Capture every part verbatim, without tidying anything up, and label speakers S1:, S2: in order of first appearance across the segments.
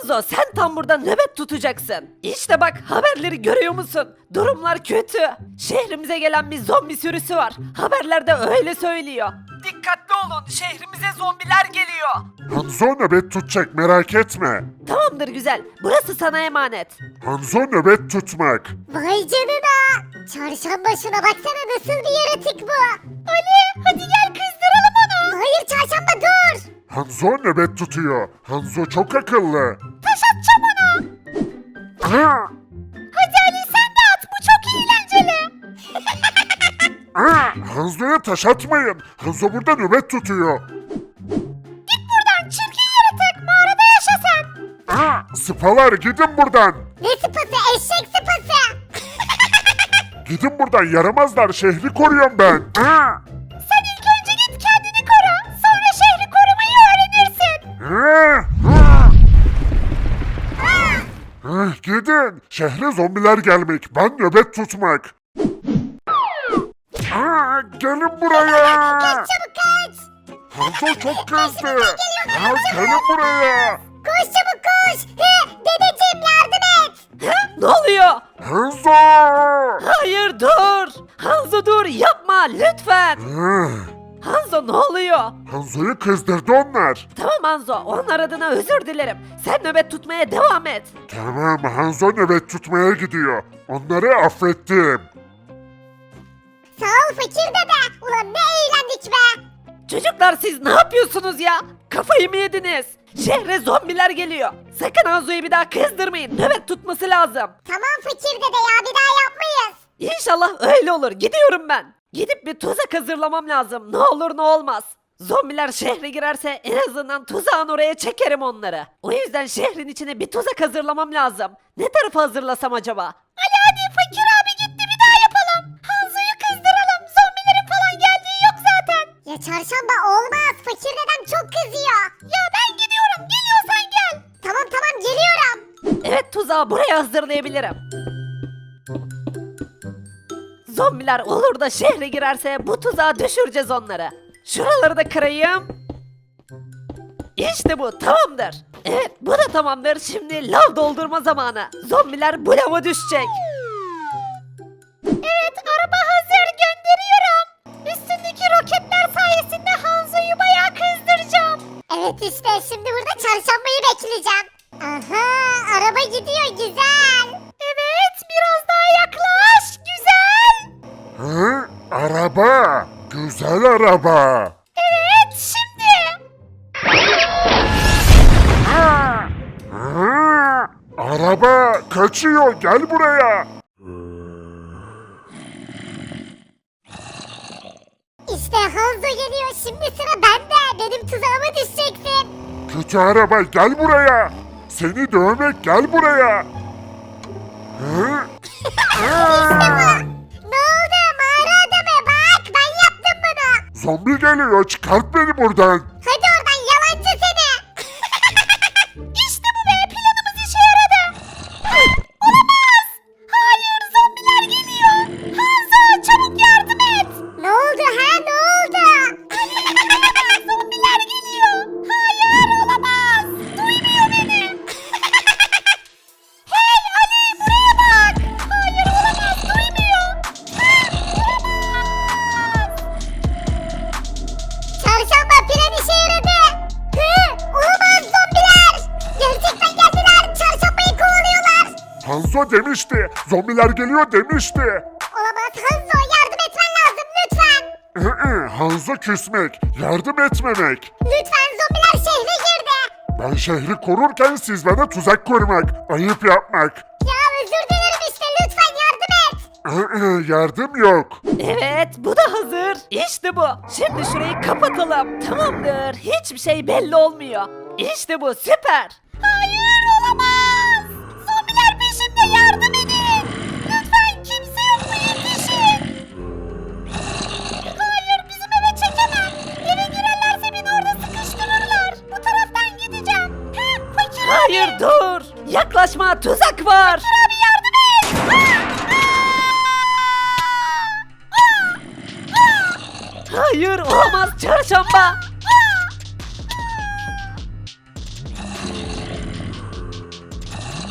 S1: Hanzo sen tam burada nöbet tutacaksın. İşte bak haberleri görüyor musun? Durumlar kötü. Şehrimize gelen bir zombi sürüsü var. Haberlerde öyle söylüyor. Dikkatli olun şehrimize zombiler geliyor.
S2: Hanzo nöbet tutacak merak etme.
S1: Tamamdır güzel. Burası sana emanet.
S2: Hanzo nöbet tutmak.
S3: Vay canına. Çarşamba şuna baksana nasıl bir yaratık bu. Ali hadi gel kızdıralım onu. Hayır çarşamba dur.
S2: Hanzo nöbet tutuyor. Hanzo çok akıllı.
S3: Taş atacağım ona.
S2: Aa!
S3: Hadi Ali sen de at bu çok eğlenceli.
S2: Aa! Hanzo'ya taş atmayın. Hanzo burada nöbet tutuyor.
S3: Git buradan çirkin yaratık mağarada yaşa sen.
S2: Aa! Sıpalar gidin buradan.
S3: Ne sıpası eşek sıpası.
S2: Gidin buradan yaramazlar şehri koruyorum ben. Aa!
S3: Sen ilk önce git kendini koru. Sonra şehri korumayı öğrenirsin.
S2: Aa! Aa! Ah, gidin. Şehre zombiler gelmek. Ben nöbet tutmak. Aa, gelin buraya.
S3: Çabuk kaç.
S2: Hanzo çok kızdı. Ya, gelin buraya.
S3: Koş çabuk koş. He, dedeciğim yardım et.
S1: Ne oluyor?
S2: Hanzo.
S1: Hayır dur. Hanzo dur yapma lütfen.
S2: Ah,
S1: Hanzo ne oluyor?
S2: Hanzo'yu kızdırdı onlar.
S1: Tamam Hanzo onlar adına özür dilerim. Sen nöbet tutmaya devam et.
S2: Tamam, Hanzo nöbet tutmaya gidiyor. Onları affettim.
S3: Sağ ol fakir dede. Ulan ne eğlendik be.
S1: Çocuklar siz ne yapıyorsunuz ya? Kafayı mı yediniz? Şehre zombiler geliyor. Sakın Hanzo'yu bir daha kızdırmayın. Nöbet tutması lazım.
S3: Tamam fakir dede ya bir daha yapmayız.
S1: İnşallah öyle olur. Gidiyorum ben. Gidip bir tuzak hazırlamam lazım. Ne olur ne olmaz. Zombiler şehre girerse en azından tuzağın oraya çekerim onları. O yüzden şehrin içine bir tuzak hazırlamam lazım. Ne tarafa hazırlasam acaba?
S3: Ali hadi fakir abi gitti bir daha yapalım. Hanzo'yu kızdıralım. Zombilerin falan geldiği yok zaten. Ya çarşamba olmaz. Fakir dedem çok kızıyor. Ya ben gidiyorum. Geliyorsan gel. Tamam tamam geliyorum.
S1: Evet tuzağı buraya hazırlayabilirim. Zombiler olur da şehre girerse bu tuzağa düşüreceğiz onları. Şuraları da kırayım. İşte bu tamamdır. Evet bu da tamamdır. Şimdi lav doldurma zamanı. Zombiler bu lava düşecek.
S3: Evet araba hazır gönderiyorum. Üstündeki roketler sayesinde Hanzo'yu bayağı kızdıracağım. Evet işte şimdi burada çarşambayı bekleyeceğim. Aha araba gidiyor güzel. Evet biraz daha yaklaş güzel.
S2: Hı? Araba. Güzel araba.
S3: Evet şimdi.
S2: Aa! Aa! Araba kaçıyor. Gel buraya.
S3: İşte Hanzo geliyor şimdi sıra bende. Benim tuzağıma düşeceksin.
S2: Kötü araba gel buraya. Seni dövmek gel buraya. Hı? Aa!
S3: Ne oldu mağara adamı bak ben yaptım bunu.
S2: Zombi geliyor. Çıkart beni buradan.
S3: Hadi oradan yalancı seni. İşte bu be planımız işe yaradı. Olamaz. Hayır zombiler geliyor. Hanzo çabuk yardım et. Ne oldu ha ne oldu? Zombiler geliyor. Hayır olamaz. Duymuyor beni. Hey Ali buraya bak. Hayır olamaz duymuyor. Olamaz. Çarşamba plan işe yaradı. Hı, olamaz zombiler. Gerçekten geldiler. Çarşambayı kovalıyorlar.
S2: Hanzo demişti. Zombiler geliyor demişti.
S3: Olamaz Hanzo yardım etmen lazım lütfen.
S2: Hı-hı, Hanzo küsmek, yardım etmemek.
S3: Lütfen zombiler şehre girdi.
S2: Ben şehri korurken siz bana tuzak kurmak, ayıp yapmak.
S3: Ya özür dilerim işte lütfen yardım et.
S2: Hı-hı, yardım yok.
S1: Evet bu da hazır. İşte bu. Şimdi şurayı kapatalım. Tamamdır. Hiçbir şey belli olmuyor. İşte bu süper.
S3: Hayır olamaz. Zombiler peşimde yardım edin. Lütfen kimse yok mu yetişin. Hayır bizim eve çekemem. Eve girerlerse beni orada sıkıştırırlar. Bu taraftan gideceğim. Hı, fakir
S1: Hayır
S3: abi.
S1: dur. Yaklaşma tuzak var.
S3: Abi yardım et.
S1: Hayır olamaz çarşamba.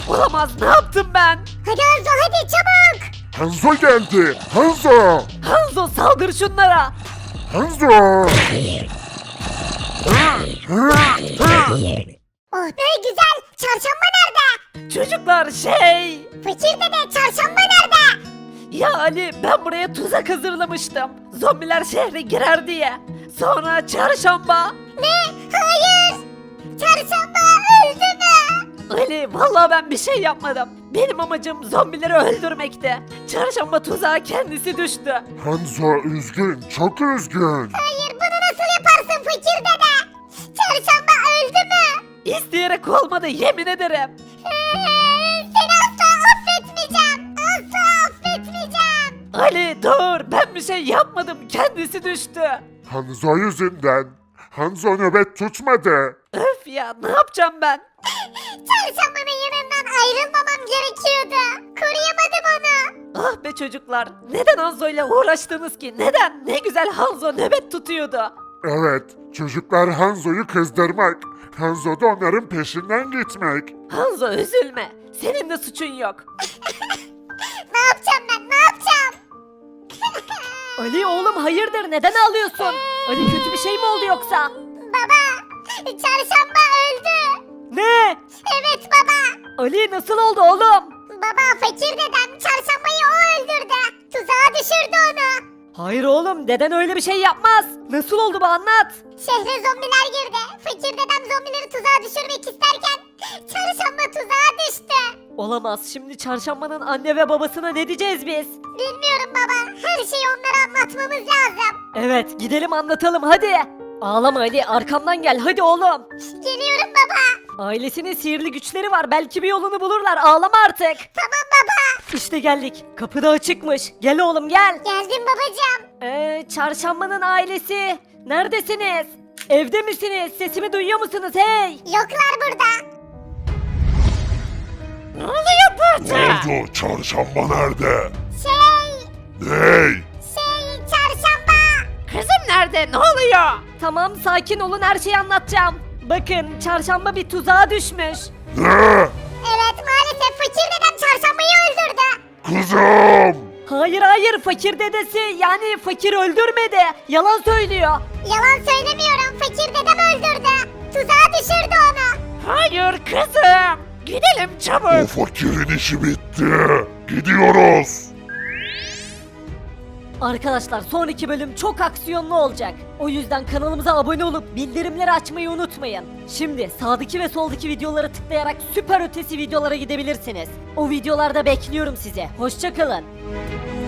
S1: Olamaz, ne yaptım ben?
S3: Hadi Hanzo hadi çabuk.
S2: Hanzo geldi. Hanzo.
S1: Hanzo saldır şunlara.
S2: Hanzo.
S3: Oh be güzel. Çarşamba nerede?
S1: Çocuklar şey...
S3: Fakir dede çarşamba nerede?
S1: Ya Ali, ben buraya tuzak hazırlamıştım. Zombiler şehre girer diye. Sonra çarşamba...
S3: Ne? Hayır. Çarşamba öldü mü?
S1: Ali, vallahi ben bir şey yapmadım. Benim amacım zombileri öldürmekti. Çarşamba tuzağa kendisi düştü.
S2: Hanzo üzgün, çok üzgün.
S3: Hayır bunu nasıl yaparsın fakir dede? Çarşamba öldü mü?
S1: İsteyerek olmadı, yemin ederim.
S3: Ee, Seni asla affetmeyeceğim. Asla affetmeyeceğim.
S1: Ali dur, ben bir şey yapmadım, kendisi düştü.
S2: Hanzo yüzünden. Hanzo nöbet tutmadı.
S1: Öf ya, ne yapacağım ben?
S3: Çarşambanın yanından ayrılmamam gerekiyordu. Koruyamadım onu.
S1: Ah be çocuklar, neden Hanzo ile uğraştınız ki? Neden? Ne güzel Hanzo nöbet tutuyordu.
S2: Evet, çocuklar Hanzo'yu kızdırmak. Hanzo da onların peşinden gitmek.
S1: Hanzo üzülme, senin de suçun yok.
S3: Ne yapacağım ben ne yapacağım?
S1: Ali oğlum hayırdır, neden ağlıyorsun? Ali kötü bir şey mi oldu yoksa?
S3: Baba çarşamba öldü.
S1: Ne?
S3: Evet baba.
S1: Ali nasıl oldu oğlum?
S3: Baba fakir dedem çarşambayı o öldürdü. Tuzağa düşürdü onu.
S1: Hayır oğlum, deden öyle bir şey yapmaz. Nasıl oldu bu, anlat.
S3: Şehre zombiler girdi. Fakir dedem zombileri tuzağa düşürmek isterken çarşamba tuzağa düştü.
S1: Olamaz, şimdi çarşambanın anne ve babasına ne diyeceğiz biz?
S3: Bilmiyorum baba. Her şeyi onlara anlatmamız lazım.
S1: Evet, gidelim anlatalım hadi. Ağlama Ali, arkamdan gel hadi oğlum.
S3: Geliyorum baba.
S1: Ailesinin sihirli güçleri var, belki bir yolunu bulurlar, ağlama artık.
S3: Tamam baba.
S1: İşte geldik, kapı da açıkmış. Gel oğlum gel.
S3: Geldim babacığım.
S1: Ee, çarşambanın ailesi. Neredesiniz? Evde misiniz? Sesimi duyuyor musunuz hey?
S3: Yoklar burada.
S1: Ne oluyor burada?
S2: Oldu, çarşamba nerede?
S3: Şey,
S2: Ney?
S3: şey çarşamba.
S1: Kızım nerede? Ne oluyor? Tamam, sakin olun, her şeyi anlatacağım. Bakın, çarşamba bir tuzağa düşmüş.
S2: Ne?
S3: Evet maalesef fakir dedem çarşambayı öldürdü.
S2: Kızım!
S1: Hayır hayır, fakir dedesi yani fakir öldürmedi. Yalan söylüyor.
S3: Yalan söylemiyorum fakir dedem öldürdü. Tuzağa düşürdü onu.
S1: Hayır kızım. Gidelim çabuk.
S2: O fakirin işi bitti. Gidiyoruz.
S1: Arkadaşlar, sonraki bölüm çok aksiyonlu olacak. O yüzden kanalımıza abone olup bildirimleri açmayı unutmayın. Şimdi sağdaki ve soldaki videoları tıklayarak süper ötesi videolara gidebilirsiniz. O videolarda bekliyorum sizi. Hoşça kalın.